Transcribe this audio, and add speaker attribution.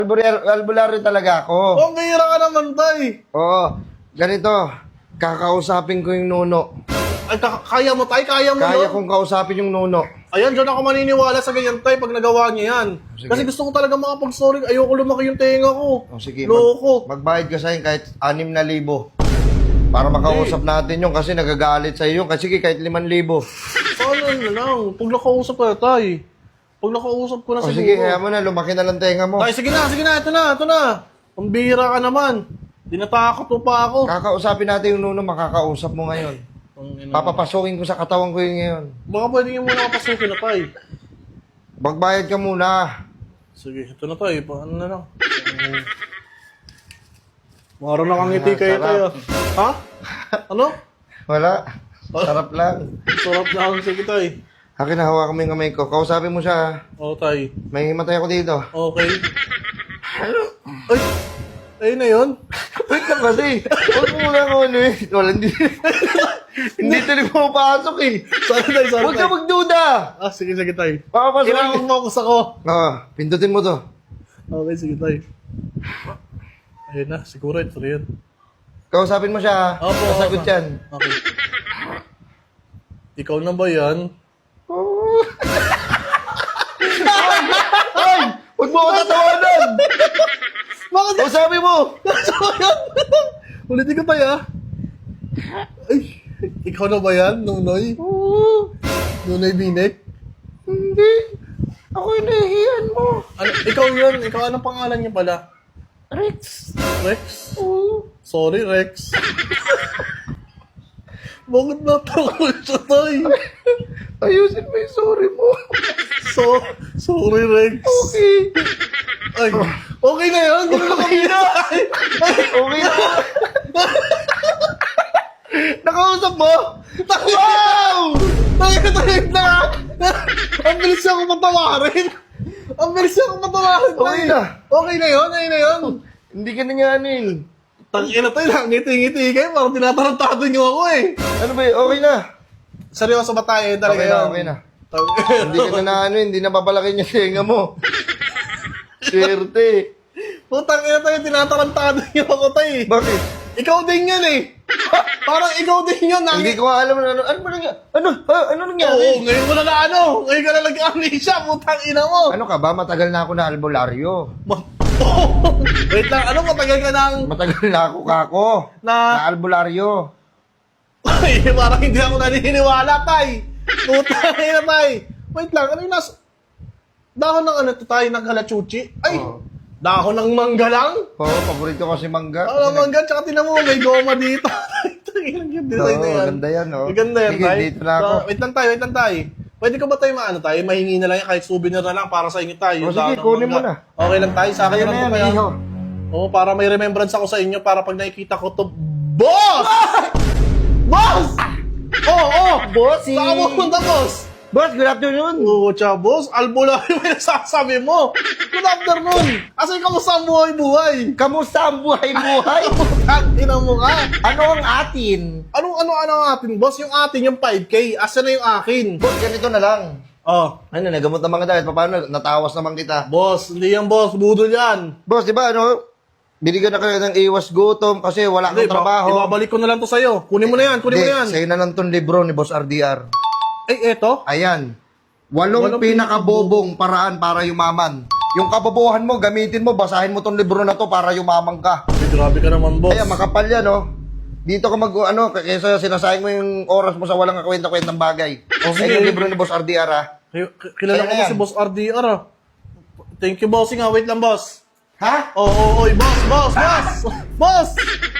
Speaker 1: Albularyo talaga ako.
Speaker 2: Oh, ngayira ka naman, tay.
Speaker 1: Oo. Ganito. Kakausapin ko yung nuno.
Speaker 2: Ay, kaya mo, tay? Kaya mo
Speaker 1: Kaya
Speaker 2: yun?
Speaker 1: kong kausapin yung nuno.
Speaker 2: Ayan, dyan ako maniniwala sa ganyan, tay, pag nagawa niya yan.
Speaker 1: Sige.
Speaker 2: Kasi gusto ko talaga makapag-sorry. Ayoko lumaki yung tenga ko.
Speaker 1: O sige,
Speaker 2: Loko.
Speaker 1: magbayad ka sa akin kahit 6,000. Para makausap natin yung kasi nagagalit sa iyo. Kasi sige, kahit 5,000.
Speaker 2: Paano na lang? Pag nakausap ka, tay. Pag nakausap ko na
Speaker 1: O
Speaker 2: siguro.
Speaker 1: sige, kaya mo na. Lumaki na lang tenga mo.
Speaker 2: Tay, sige na. Ito na. Pambihira ka naman. Dinatakot mo pa ako.
Speaker 1: Kakausapin natin yung nuno. Makakausap mo ngayon. Papapasukin ko sa katawan ko yun ngayon.
Speaker 2: Baka pwede niyo muna kapasukin na, tay.
Speaker 1: Magbayad ka muna.
Speaker 2: Sige, ito na, tay. Paano na lang? Mara na kang ngiti kayo, tay.
Speaker 1: sarap.
Speaker 2: Ha? Ano?
Speaker 1: Wala. Sarap lang.
Speaker 2: Sarap na ang sige, tay.
Speaker 1: Akin na, hawakan mo yung kamay ko. Kausapin mo siya.
Speaker 2: Oo, tay.
Speaker 1: May himatay ako dito.
Speaker 2: Okay. Ay! Ayun na yun?
Speaker 1: Wait lang kasi. Huwag mo muna ako ano eh. Wala, hindi. Hindi talaga pumapasok eh.
Speaker 2: Sorry, tay.
Speaker 1: Huwag ka magduda.
Speaker 2: Sige, tay.
Speaker 1: Papapasok.
Speaker 2: Kailangan mo ako.
Speaker 1: Pindutin mo to.
Speaker 2: Okay, sige, tay. Ayun na, siguro ito na yun.
Speaker 1: Kausapin mo siya.
Speaker 2: Opo,
Speaker 1: Kasagot
Speaker 2: opo.
Speaker 1: yan.
Speaker 2: Okay. Ikaw na ba yan?
Speaker 1: Ay! Huwag mo ako tatawanan!
Speaker 2: Bakit?
Speaker 1: Kausapin mo!
Speaker 2: Ulitin ko tayo, Ay, ikaw na ba yan, Nunoy? Nunoy Binek?
Speaker 1: Hindi. Ako yung nahihiyan mo.
Speaker 2: Ano, ikaw yun. Ikaw, anong pangalan niya pala?
Speaker 1: Rex.
Speaker 2: Rex? Sorry, Rex. Bakit natakot siya, tay?
Speaker 1: Ayusin mo yung sorry mo.
Speaker 2: Sorry, Rex.
Speaker 1: Okay.
Speaker 2: Ay, okay na yun. Okay na.
Speaker 1: Okay na. Nakausap mo? Wow!
Speaker 2: Tayo na. Ang bilis niya akong patawarin.
Speaker 1: Okay na.
Speaker 2: Okay na yun.
Speaker 1: Hindi ka nanyanin.
Speaker 2: Tangina tayo lang, ngiti-ngiti kayo. Parang tinatarantado niyo ako eh.
Speaker 1: Ano ba okay na.
Speaker 2: Seryoso ba tayo? Talaga
Speaker 1: Okay na,
Speaker 2: yun?
Speaker 1: okay na.
Speaker 2: Tangina.
Speaker 1: Hindi ka na hindi na papalaki yung tenga mo. Swerte.
Speaker 2: Putang ina tayo, tinatarantado niyo ako tayo.
Speaker 1: Bakit?
Speaker 2: Ikaw din yan eh. Parang ikaw din yun.
Speaker 1: Hindi ko alam ano ba nangyari? Ano nangyari?
Speaker 2: Oo, ngayon mo na ngayon ka na nag-amnesia, putang ina mo.
Speaker 1: Ano ka ba? Matagal na ako na albularyo.
Speaker 2: Wait lang, ano matagal ka nang...
Speaker 1: Matagal na ako kako. Na albularyo.
Speaker 2: Ay, parang hindi ako naniniwala, tay. Putang ina, tay. Wait lang, ano yung nasa... Dahon ng ano to, tay, ng halachuchi? Ay,
Speaker 1: Oo.
Speaker 2: dahon ng mangga lang?
Speaker 1: Oo, paborito ko si mangga.
Speaker 2: Mangga, tsaka tinan mo, may goma dito. Tangina yung design na yan.
Speaker 1: Maganda yan, oh.
Speaker 2: Maganda yan,
Speaker 1: Sige,
Speaker 2: tay.
Speaker 1: dito na ako.
Speaker 2: Wait lang, tay. Pwede ko ba tayo tayo? Mahingi na lang yan, kahit souvenir na lang para sa inyo tayo.
Speaker 1: O, sige, kunin mo na.
Speaker 2: Okay lang tayo, sa akin
Speaker 1: Ayan
Speaker 2: na
Speaker 1: na
Speaker 2: lang
Speaker 1: yan,
Speaker 2: to kaya.
Speaker 1: iho.
Speaker 2: Oo, para may remembrance ako sa inyo, para pag nakikita ko to, Boss! Boss! Oo!
Speaker 1: Bossy!
Speaker 2: Saan mo punta, boss?
Speaker 1: Boss, good afternoon.
Speaker 2: Oo, tsaka boss, albularyo yung nasasabi mo. Good afternoon. Asa kamusta ang buhay-buhay?
Speaker 1: Kamusta ang buhay-buhay?
Speaker 2: Ina mo ka.
Speaker 1: Ano ang atin?
Speaker 2: Ano ang atin, boss? Yung atin, yung 5K. Asa na yung akin?
Speaker 1: Boss, ganito na lang.
Speaker 2: Oh,
Speaker 1: Ano, nagamot naman kita. Paano? Natawas naman kita.
Speaker 2: boss, hindi yan, boss. Budol yan.
Speaker 1: Boss, di ba binigyan na kayo ng iwas gutom kasi wala kang trabaho.
Speaker 2: Ibabalik ko na lang to sa'yo. Kunin mo na yan,
Speaker 1: Hindi, sa'yo na lang tong libro ni Boss RDR.
Speaker 2: Eto?
Speaker 1: Ayan. 8 pinakabobong paraan para yumaman. Yung kabobohan mo, gamitin mo, basahin mo tong libro na to para yumaman ka.
Speaker 2: Ay, grabe ka naman, boss.
Speaker 1: Ayan, makapal yan, Dito ka kaysa sinasayang mo yung oras mo sa walang kakwenta-kwentang bagay.
Speaker 2: sige.
Speaker 1: Yung libro ni Boss RDR, ha?
Speaker 2: Kilala ko
Speaker 1: Ayan.
Speaker 2: si Boss RDR, ah. Thank you, bossing, ah. Wait lang, boss.
Speaker 1: Ha?
Speaker 2: Boss! Boss!